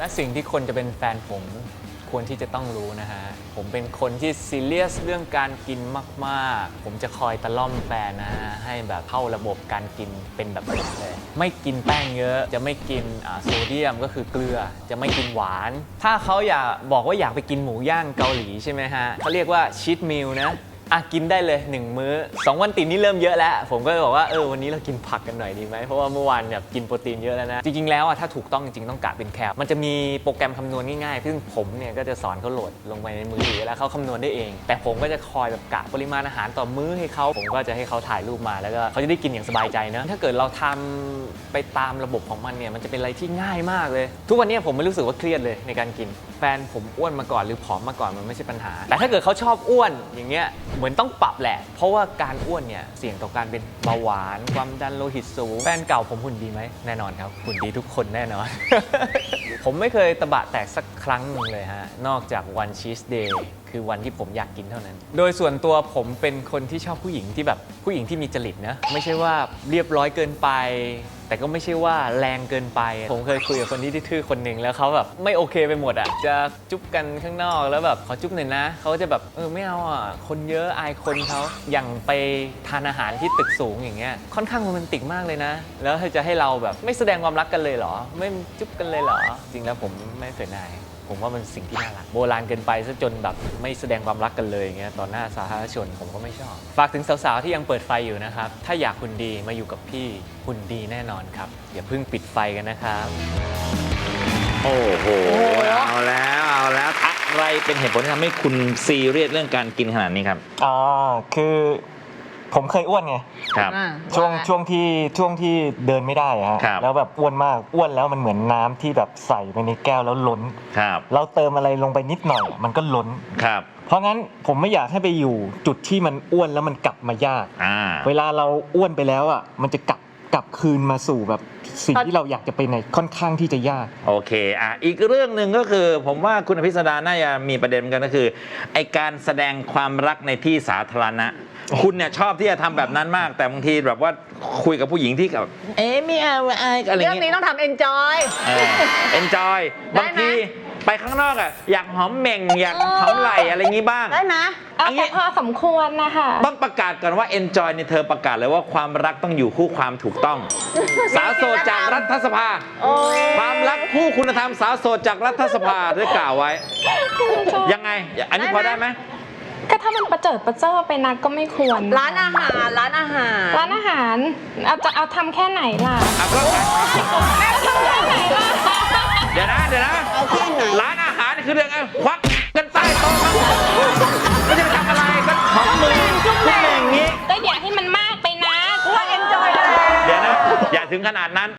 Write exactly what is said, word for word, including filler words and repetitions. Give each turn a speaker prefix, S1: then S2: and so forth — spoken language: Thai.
S1: และสิ่งที่คนจะเป็นแฟนผมควรที่จะต้องรู้นะฮะผมเป็นคนที่ซีเรียสเรื่องการกินมากๆผมจะคอยตะล่อมแฟนนะฮะให้แบบเข้าระบบการกินเป็นแบบผมเลยไม่กินแป้งเยอะจะไม่กินโซเดียมก็คือเกลือจะไม่กินหวานถ้าเขาอยากบอกว่าอยากไปกินหมูย่างเกาหลีใช่ไหมฮะเขาเรียกว่าชีทมิลนะอ่ะกินได้เลยหนึ่งมื้อสองวันติดนี่เริ่มเยอะแล้วผมก็เลยบอกว่าเออวันนี้เรากินผักกันหน่อยดีไหมเพราะว่าเมื่อวานแบบกินโปรตีนเยอะแล้วนะจริงๆแล้วอ่ะถ้าถูกต้องจริงๆต้องกะเป็นแคลมันจะมีโปรแกรมคำนวณง่ายๆซึ่งผมเนี่ยก็จะสอนเขาโหลดลงไปในมือถือแล้วเขาคำนวณได้เองแต่ผมก็จะคอยแบบกะปริมาณอาหารต่อมื้อให้เขาผมก็จะให้เขาถ่ายรูปมาแล้วก็เขาจะได้กินอย่างสบายใจนะถ้าเกิดเราทำไปตามระบบของมันเนี่ยมันจะเป็นอะไรที่ง่ายมากเลยทุกวันนี้ผมไม่รู้สึกว่าเครียดเลยในการกินแฟนผมอ้วนมาก่อนหรือผอมมาก่อนมันไม่ใช่ปัญหาแต่ถ้าเกิดเขาชอบอ้วนอย่างเงี้ยเหมือนต้องปรับแหละเพราะว่าการอ้วนเนี่ยเสี่ยงต่อการเป็นเบาหวานความดันโลหิตสูงแฟนเก่าผมหุ่นดีไหมแน่นอนครับหุ่นดีทุกคนแน่นอน ผมไม่เคยตะบะแตกสักครั้งหนึ่งเลยฮะนอกจากวันชีสเดย์คือวันที่ผมอยากกินเท่านั้นโดยส่วนตัวผมเป็นคนที่ชอบผู้หญิงที่แบบผู้หญิงที่มีจริตนะไม่ใช่ว่าเรียบร้อยเกินไปแต่ก็ไม่ใช่ว่าแรงเกินไปผมเคยคุยกับคนที่ทื่อคนหนึ่งแล้วเขาแบบไม่โอเคไปหมดอ่ะจะจุ๊บกันข้างนอกแล้วแบบขอจุ๊บหน่อยนะเขาจะแบบเออไม่เอาอ่ะคนเยอะอายคนเขาอย่างไปทานอาหารที่ตึกสูงอย่างเงี้ยค่อนข้างโรแมนติกมากเลยนะแล้วจะให้เราแบบไม่แสดงความรักกันเลยเหรอไม่จุ๊บกันเลยเหรอจริงแล้วผมไม่เสียดายผมว่ามันสิ่งที่น่ารักโบราณเกินไปซะจนแบบไม่แสดงความรักกันเลยอย่างเงี้ยต่อหน้าสาธารณชนผมก็ไม่ชอบฝากถึงสาวๆที่ยังเปิดไฟอยู่นะครับถ้าอยากหุ่นดีมาอยู่กับพี่หุ่นดีแน่นอนครับอย่าเพิ่งปิดไฟกันนะครับ
S2: โอ้โหเอาแล้วเอาแล้วอะไรเป็นเหตุผลที่ทำให้คุณซีเรียสเรื่องการกินขนาดนี้ครับ
S3: อ๋อคือผมเคยอ้วนไง
S2: ครับ
S3: ช่วงช่วงที่ช่วงที่เดินไม่ได้ฮะแล้วแบบอ้วนมากอ้วนแล้วมันเหมือนน้ำที่แบบใส่ไปในแก้วแล้วล้น
S2: ครับ
S3: เราเติมอะไรลงไปนิดหน่อยมันก็ล้น
S2: ครับ
S3: เพราะงั้นผมไม่อยากให้ไปอยู่จุดที่มันอ้วนแล้วมันกลับมายากเวลาเราอ้วนไปแล้วอ่ะมันจะกลับกลับคืนมาสู่แบบสิ่งที่เราอยากจะไปในค่อนข้างที่จะยาก
S2: โอเคอ่ะอีกเรื่องหนึ่งก็คือผมว่าคุณอภิสดาน่าจะมีประเด็นกันก็คือไอการแสดงความรักในที่สาธารณะคุณเนี่ยชอบที่จะทำแบบนั้นมากแต่บางทีแบบว่าคุยกับผู้หญิงที่แบบเอ๊ะไม่เอาอะไรอะไรเงี้ย
S4: เรื่องนี้ต้องทำ enjoy
S2: enjoy บางทีไปข้างนอกอ่ะอยากหอมเหม่งอยากหอมไหล่อะไรงี้บ้าง
S4: ได้ไหม
S5: เอาแต่พอสมควรนะคะ
S2: ต้องประกาศก่อนว่า enjoy ในเธอประกาศเลยว่าความรักต้องอยู่คู่ความถูกต้องสาวโสดจากรัฐสภาความรักคู่คุณธรรมสาวโสดจากรัฐสภาได้กล่าวไว้ยังไงอันนี้พอได้ไหม
S5: ก็ถ้ามันประเจิดประเจ้อไปนักก็ไม่ควร
S4: ร้านอาหารร้านอาหาร
S5: ร้านอาหารเอาจะเอาทำแค่ไหนล่ะ
S2: ก็เดี๋ยวนะเดี๋ยวนะร้านอาหารคือเรื่องไงควักกันใต้โต๊ะไม่ใช่ทำอะไรก็ของมือจุ๊บแม่งอย่างนี้
S5: ก็อย่าให้มันมากไปนะ
S4: ว่า enjoy เลย
S2: เดี๋ยวนะอย่าถึงขนาดนั้น